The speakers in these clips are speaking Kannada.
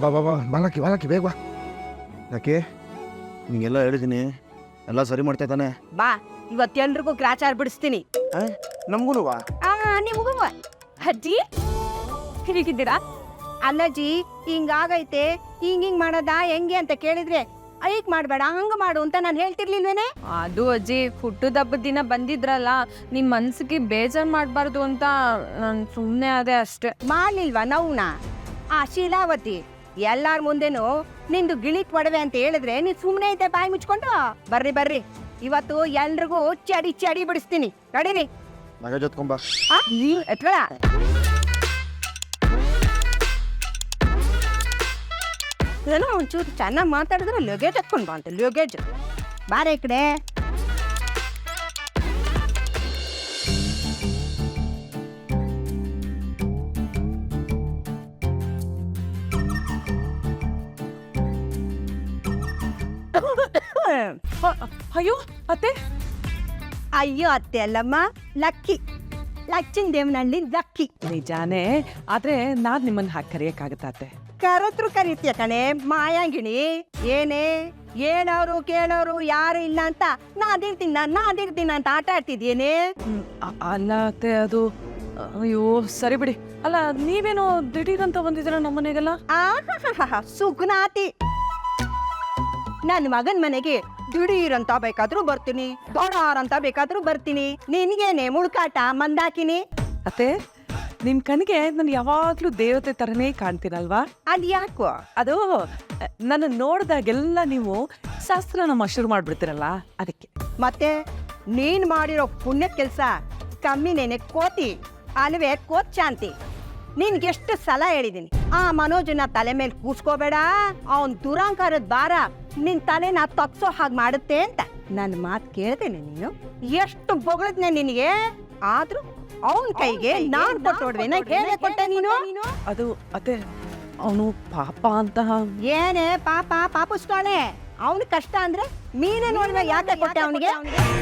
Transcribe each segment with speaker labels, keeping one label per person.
Speaker 1: ಬಾ ಬಾ ಬಾ ಬಾಲಕಿ ಬಾಲಕಿ ಬೇಗ ಬಾ. ಯಾಕೆ ನಿಂಗೆಲ್ಲ ಹೇಳಿದ್ದೀನಿ, ಎಲ್ಲ ಸರಿ ಮಾಡ್ತಾ ತಾನೆ?
Speaker 2: ಬಾ, ಇವತ್ತೆಲ್ರಿಗೂ ಗ್ರಾಚಾರ ಬಿಡಿಸ್ತೀನಿ.
Speaker 1: ನಮ್ಗೂ ಬಾ.
Speaker 2: ನಿಮಗೂ ಅಜ್ಜಿ ಹೇಗಿದ್ದೀರಾ? ಅಲ್ಲಜ್ಜಿ ಹಿಂಗಾಗೈತೆ, ಹಿಂಗ್ ಮಾಡೋದಾ ಹೆಂಗೆ ಅಂತ ಕೇಳಿದ್ರೆ ಐಕ್ ಮಾಡ್ಬೇಡ ಹಂಗ ಮಾಡು ಅಂತ ನಾನು ಹೇಳ್ತಿರ್ಲಿಲ್ವೇನೆ?
Speaker 3: ಅದು ಅಜ್ಜಿ ಹುಟ್ಟದ ಹಬ್ಬದ ದಿನ ಬಂದಿದ್ರಲ್ಲ, ನಿಮ್ ಮನ್ಸಿಗೆ ಬೇಜಾರ್ ಮಾಡ್ಬಾರ್ದು ಅಂತ ನಾನು ಸುಮ್ಮನೆ ಅದೇ ಅಷ್ಟೇ.
Speaker 2: ಮಾಡ್ಲಿಲ್ವಾ ನವ್ನ? ಆ ಶೀಲಾವತಿ ಎಲ್ಲಾರ ಮುಂದೆನು ನಿಂದು ಗಿಳಿಟ್ ಒಡವೆ ಅಂತ ಹೇಳಿದ್ರೆ ನೀನ್ ಸುಮ್ನೆ ಐತೆ ಬಾಯಿ ಮುಚ್ಕೊಂಡು? ಬರ್ರಿ ಬರ್ರಿ, ಇವತ್ತು ಎಲ್ರಿಗೂ ಚಡಿ ಚಡಿ ಬಿಡಿಸ್ತೀನಿ. ನಡೀರಿ.
Speaker 1: ಮಗ ಜೊತ್ಕೊಂಬ.
Speaker 2: ಎತ್ಕೊಳ. ಏನೋ ಒಂಚೂರು ಚೆನ್ನಾಗಿ ಮಾತಾಡಿದ್ರೆ ಲಗೇಜ್ ಎತ್ಕೊಂಡ್ ಬಾ ಅಂತ. ಲಗೇಜ್ ಬಾರ ಈ ಕಡೆ.
Speaker 3: ಅಯ್ಯೋ ಅತ್ತೆ.
Speaker 2: ಅಯ್ಯೋ ಅತ್ತೆ ಅಲ್ಲಮ್ಮ, ಲಕ್ಕಿ. ಲಕ್ಕಿನ ದೇವನಹಳ್ಳಿ ಲಕ್ಕಿ.
Speaker 3: ನಿಜಾನೇ, ಆದ್ರೆ ನಾನ್ ನಿಮ್ಮನ್ನ ಹಾಕಿ ಕರೆಯಕ್ಕಾಗತ್ತ ಅತ್ತೆ?
Speaker 2: ಕರತ್ರು ಕರೀತೀಯ ಕಣೆ ಮಾಯಾಂಗಿಣಿ. ಏನೇ ಏನವ್ರು ಕೇಳೋರು ಯಾರು ಇಲ್ಲ ಅಂತ ನಾದಿರ್ತೀನಿ ಅಂತ ಆಟ ಆಡ್ತಿದ್ಯೇನೆ?
Speaker 3: ಅಲ್ಲ ಅತ್ತೆ, ಅದು ಅಯ್ಯೋ ಸರಿ ಬಿಡಿ. ಅಲ್ಲ ನೀವೇನೋ ದಿಢೀರಂತ ಬಂದಿದ್ದೀರ ನಮ್ಮನೆಗೆಲ್ಲ?
Speaker 2: ಸುಗ್ನಾತಿ. ನನ್ನ ಮಗನ್ ಮನೆಗೆ ದಿಢೀರಂತ ಬೇಕಾದ್ರೂ ಬರ್ತೀನಿ, ದೊಡ್ಡಾರಂತ ಬೇಕಾದ್ರೂ ಬರ್ತೀನಿ. ನಿನ್ಗೇನೆ ಮುಳ್ಕಾಟ ಮಂದಾಕಿನಿ?
Speaker 3: ಅತ್ತೆ, ನಿಮ್ ಕಣ್ಣಿಗೆ ನಾನು ಯಾವಾಗ್ಲೂ ದೇವತೆ ತರನೇ ಕಾಣ್ತೀನಲ್ವಾ?
Speaker 2: ಅದ್ ಯಾಕೋ?
Speaker 3: ಅದು ನನ್ನ ನೋಡ್ದಾಗೆಲ್ಲ ನೀವು ಶಾಸ್ತ್ರನ ಶುರು ಮಾಡ್ಬಿಡ್ತೀರಲ್ಲ, ಅದಕ್ಕೆ.
Speaker 2: ಮತ್ತೆ ನೀನ್ ಮಾಡಿರೋ ಪುಣ್ಯ ಕೆಲ್ಸ ಕಮ್ಮಿನೇನೆ ಕೋತಿ ಅಲ್ವೇ ಕೋತ್ ಶಾಂತಿ. ನಿನ್ಗೆಷ್ಟು ಸಲ ಹೇಳಿದೀನಿ, ಆ ಮನೋಜನ ತಲೆ ಮೇಲೆ ಕೂಸ್ಕೋಬೇಡ, ಅವನ್ ದುರಾಂಕಾರದ ಭಾರ ನಿನ್ ತಲೆನ ತಗ್ಸೋ ಹಾಗೆ ಮಾಡುತ್ತೆ ಅಂತ. ನನ್ನ ಮಾತು ಕೇಳ್ತೇನೆ ನೀನು? ಎಷ್ಟು ಬೊಗಳದ್ನೆ ನಿನಗೆ, ಆದ್ರೂ ಅವನ್ ಕೈಗೆ ನಾನ್ ಕೊಟ್ಟೋಡ್ವೇನ ಹೇಳೇ ಕೊಟ್ಟೆ ನೀನು?
Speaker 3: ಅದು ಅತ್ತೆ, ಅವನು ಪಾಪ ಅಂತ.
Speaker 2: ಏನೇ ಪಾಪ ಪಾಪುಸ್ತಾನೆ? ಅವನ್ ಕಷ್ಟ ಅಂದ್ರೆ ನೀನೇ ನೋಡಿದ ಯಾಕೆ ಕೊಟ್ಟೆ ಅವನಿಗೆ?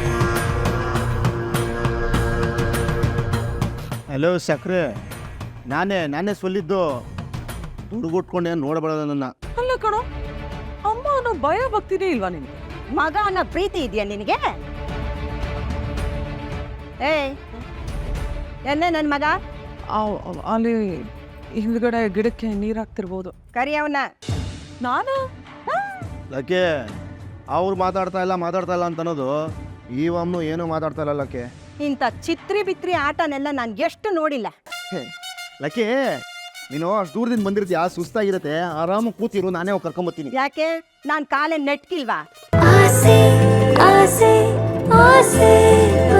Speaker 1: ಹಲೋ ಸಕ್ರೆ, ನಾನೇ ಸೊಲ್ಲಿದ್ದು. ದುಡ್ಗುಟ್ಕೊಂಡೆ ನೋಡಬೇಡ ನನ್ನ.
Speaker 3: ಅಲ್ಲ ಕಣೋ, ಅಮ್ಮ ಅನ್ನೋ ಭಯ ಭಕ್ತಿನೇ ಇಲ್ವಾ ನಿನ್ಗೆ?
Speaker 2: ಮಗ ಅನ್ನೋ ಪ್ರೀತಿ ಇದೆಯಾ ನಿನಗೆ? ಏಯ್ ಎನ್ನೆ ನನ್ ಮಗ?
Speaker 3: ಅಲ್ಲಿ ಹಿಂದ್ಗಡೆ ಗಿಡಕ್ಕೆ ನೀರ್ ಹಾಕ್ತಿರ್ಬೋದು.
Speaker 2: ಕರಿ ಅವನ.
Speaker 3: ನಾನು
Speaker 1: ಲಕ್ಕೆ ಅವ್ರು ಮಾತಾಡ್ತಾ ಇಲ್ಲ ಅಂತ ಅನ್ನೋದು ಈ ಅಮ್ಮನು ಏನೂ ಮಾತಾಡ್ತಾ ಇಲ್ಲ ಲಕ್ಕೆ.
Speaker 2: ಇಂಥ ಚಿತ್ರಿ ಬಿತ್ರಿ ಆಟನೆಲ್ಲ ನಾನು ಎಷ್ಟು ನೋಡಿಲ್ಲ.
Speaker 1: ಲಕ್ಕೆ, ನೀನು ಅಷ್ಟು ದೂರದಿಂದ ಬಂದಿರ್ತೀಯ, ಸುಸ್ತಾಗಿರತ್ತೆ, ಆರಾಮಾಗಿ ಕೂತಿರು, ನಾನೇ ಹೋಗಿ ಕರ್ಕೊಂಬತ್ತೀನಿ.
Speaker 2: ಯಾಕೆ ನಾನು ಕಾಲೇ ನೆಟ್ಕಿಲ್ವಾ?
Speaker 4: ಆಸೆ ಆಸೆ ಆಸೆ